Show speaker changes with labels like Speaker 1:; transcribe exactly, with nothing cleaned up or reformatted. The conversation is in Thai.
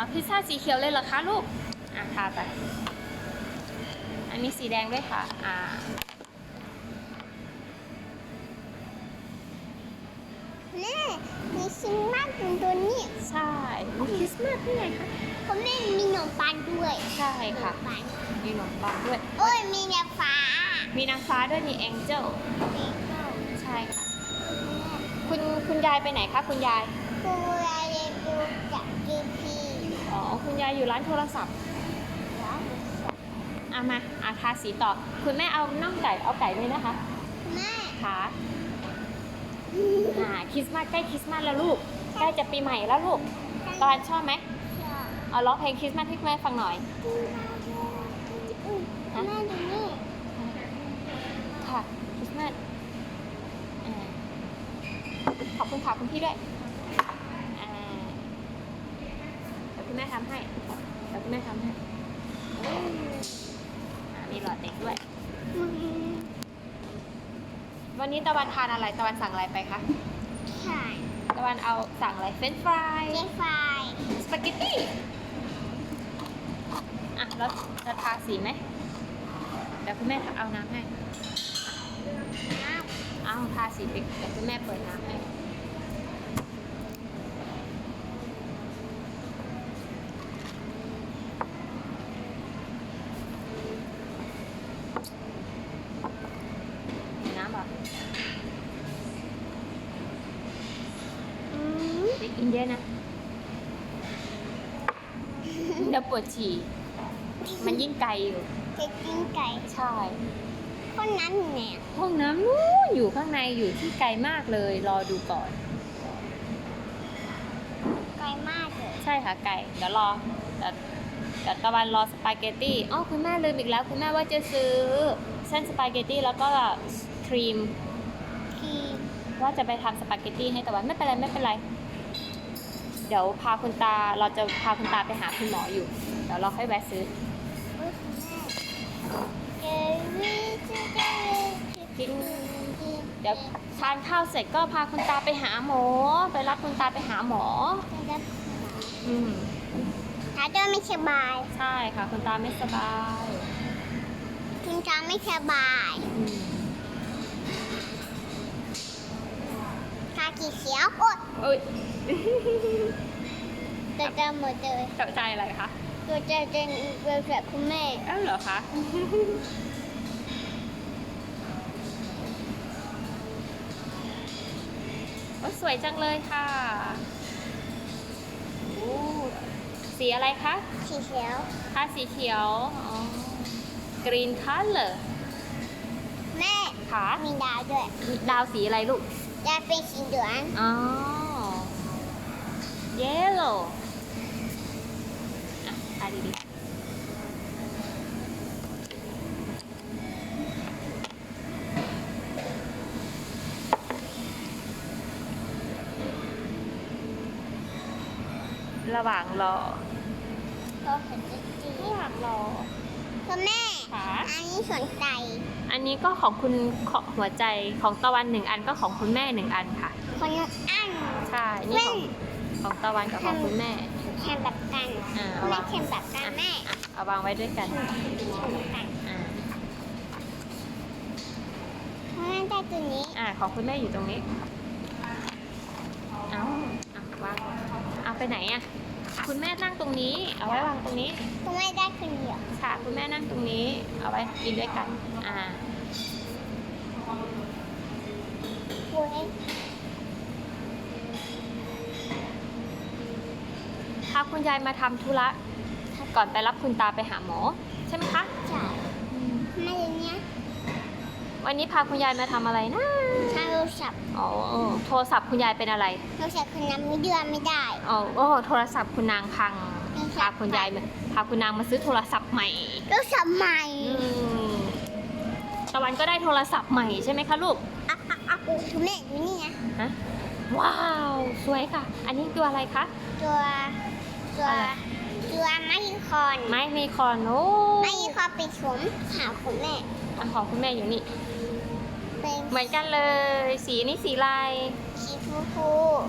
Speaker 1: เอาพิซซ่าสีเขียวเลยเหรอคะลูกอ่ะทาไปอันนี้สีแดงด้วยค่ะอ่า
Speaker 2: แม่มีซิมมากตรงตัวนี้
Speaker 1: ใช่มีคริสต์มาสด้วยไงคะ
Speaker 2: เขาแม่มีขนมปังด้วย
Speaker 1: ใช่ค่ะ
Speaker 2: ขนมปัง
Speaker 1: มีขนมปังด้วย
Speaker 2: โอ้ยมีนางฟ้า
Speaker 1: มีนางฟ้าด้วยมีแองเจิล
Speaker 2: มีข้าว
Speaker 1: ใช่ค่ะคุณคุณยายไปไหนคะคุณยาย
Speaker 2: กูอะไรดูจากกีพี
Speaker 1: อ๋อคุณยายอยู่ร้านโทรศัพท์อ่ะมาอ่ะทาสีต่อคุณแม่เอาน่องไก่เอาไก่เลยนะคะ
Speaker 2: แม่
Speaker 1: ค่ะอ่าคริสต์มาสใกล้คริสต์มาสแล้วลูกใกล้จะปีใหม่แล้วลูกตอนชอบไหมเอาร้องเพลงคริสต์มาสให้แม่ฟังหน่อย
Speaker 2: แม่ดูนี่
Speaker 1: ค่ะคริสต์มาสอ่าขอบคุณค่ะคุณพี่ด้วยอ่าเดี๋ยวคุณแม่ทำให้เดี๋ยวคุณแม่ทำให้อ่ามีหลอดเด็กด้วย วันนี้ตะวันทานอะไรตะวันสั่งอะไรไปคะ
Speaker 2: ใช่
Speaker 1: ตะวันเอาสั่งอะไรเฟรนช์ฟราย
Speaker 2: เจ๊ไฟ
Speaker 1: สปาเกตตี้อ่ะแล้วจะทาสีไหมเดี๋ยวคุณแม่เอาน้ำให้
Speaker 2: น้
Speaker 1: เอาทาสีไปเดี๋ยวคุณแม่เปิดน้ำให้มีน้ำเหรอ
Speaker 2: ำอืม
Speaker 1: เด็กอินเดียนะเดี๋ยวปวดฉี่มันยิ่งไกลอยู่
Speaker 2: จะกินไก่
Speaker 1: ใช่
Speaker 2: คนนั้นเนี่ย
Speaker 1: ห้องน้ำนู้นอยู่ข้างในอยู่ที่ไกลมากเลย รอดูก่อน
Speaker 2: ไก่มากเลย
Speaker 1: ใช่ค่ะไก่เดี๋ยวรอเดี๋ยวเดี๋ยวตะวันรอสปาเกตตี้อ๋อคุณแม่ลืมอีกแล้ว คุณแม่ว่าจะซื้อเส้นสปาเกตตี้แล้วก็ครีม
Speaker 2: คือ
Speaker 1: ว่าจะไปทำสปาเกตตี้ให้ตะวันไม่เป็นไรไม่เป็นไร เดี๋ยวพาคุณตาเราจะพาคุณตาไปหาคุณหมออยู่ เดี๋ยวเราค่อยแวะซื้อ
Speaker 2: อุ๊ยแม่เกวี่จะได้
Speaker 1: กิน เดี๋ยวทานข้าวเสร็จก็พาคุณตาไปหาหมอ ไปรับคุณตาไปหาหมอ
Speaker 2: จะได้
Speaker 1: อืม
Speaker 2: ถ้าเดินไม่สบาย
Speaker 1: ใช่ค่ะคุณตาไม่สบาย
Speaker 2: คุณตาไม่สบาย
Speaker 1: อืม
Speaker 2: ตากี่เขียวโอ๊ย
Speaker 1: เอ้ย
Speaker 2: ตัวจะหมดเลย
Speaker 1: ตกใจอะไรคะ
Speaker 2: ตัวจะเป็นเรือแบบคุณแม่
Speaker 1: เอ้าเหรอคะ โอ้สวยจังเลยค่ะโอ้สีอะไรคะ
Speaker 2: สีเขียว
Speaker 1: ทาสีเขียว อ๋อ green color
Speaker 2: แม่
Speaker 1: ค่ะ
Speaker 2: มีดาวด้วย
Speaker 1: ดาวสีอะไรลูก
Speaker 2: ดาวเป็นสีเหลือง
Speaker 1: อ๋อ yellow อ่ะทาดีๆ ระหว่างรอ
Speaker 2: ก็เห็นจริง
Speaker 1: ระหว่างรอ
Speaker 2: ๆคุณแม่
Speaker 1: ค่ะ
Speaker 2: อันนี้สนใจ
Speaker 1: อันนี้ก็ของคุณของหัวใจของตะวันหนึ่งอันก็ของคุณแม่หนึ่งอันค่ะ
Speaker 2: คนอัน
Speaker 1: ใช่ นี่ของของตะวันกับของคุณแม่
Speaker 2: แข่งแบบกัน
Speaker 1: อ่าเอา
Speaker 2: แม่
Speaker 1: วาง
Speaker 2: แข่งแบบกันแม่
Speaker 1: อ่ะเอาวางไว้ด้วยกัน
Speaker 2: แข่งแบบกัน
Speaker 1: อ่า
Speaker 2: เพราะแม่ได้ตัวนี้
Speaker 1: อ่าของคุณแม่อยู่ตรงนี้ เอาอ่ะวางเอาไปไหนอ่ะ คุณแม่นั่งตรงนี้ เอาไว้วางตรงนี้
Speaker 2: คุณแม่ได้คนเดียว
Speaker 1: ค่ะ คุณแม่นั่งตรงนี้ เอาไว้กินด้วยกัน อ่า
Speaker 2: เว้ย
Speaker 1: พาคุณยายมาทำธุระก่อนไปรับคุณตาไปหาหมอ ใช่ไหมคะ
Speaker 2: จ่ายแม่อย่างเนี้ย
Speaker 1: วันนี้พาคุณยายมาทำอะไรนะ
Speaker 2: ถ้าโทรศัพท์
Speaker 1: อ๋อ โทรศัพท์คุณยายเป็นอะไร
Speaker 2: โทรศัพท์คนนั้นไม่เดือนไม่ได้
Speaker 1: อ๋อโอ้โทรศัพท์คุณนางพัง
Speaker 2: โทรศั
Speaker 1: พา
Speaker 2: พท์
Speaker 1: คุณยายมาพาคุณนางมาซื้อโทรศัพท์ใหม่
Speaker 2: โทรศัพท์ใหม่
Speaker 1: อืมตะวันก็ได้โทรศัพท์ใหม่ใช่ไหมคะลูก
Speaker 2: อ่ะอ่ะอ่ะคุณแม่ดูนี่นะ
Speaker 1: ฮะ ว้าว สวยค่ะ อันนี้ตัวอะไรคะ
Speaker 2: ตัวตัว
Speaker 1: อะไร
Speaker 2: ตัวไม่คอน
Speaker 1: ไม้มีคอนโอ้
Speaker 2: ไม่คอนไปสวมขาคุณแม่
Speaker 1: อันของคุณแม่อยู่นี่
Speaker 2: เป็น
Speaker 1: เหมือนกันเลย สีนี้สีลาย
Speaker 2: สีฟูฟู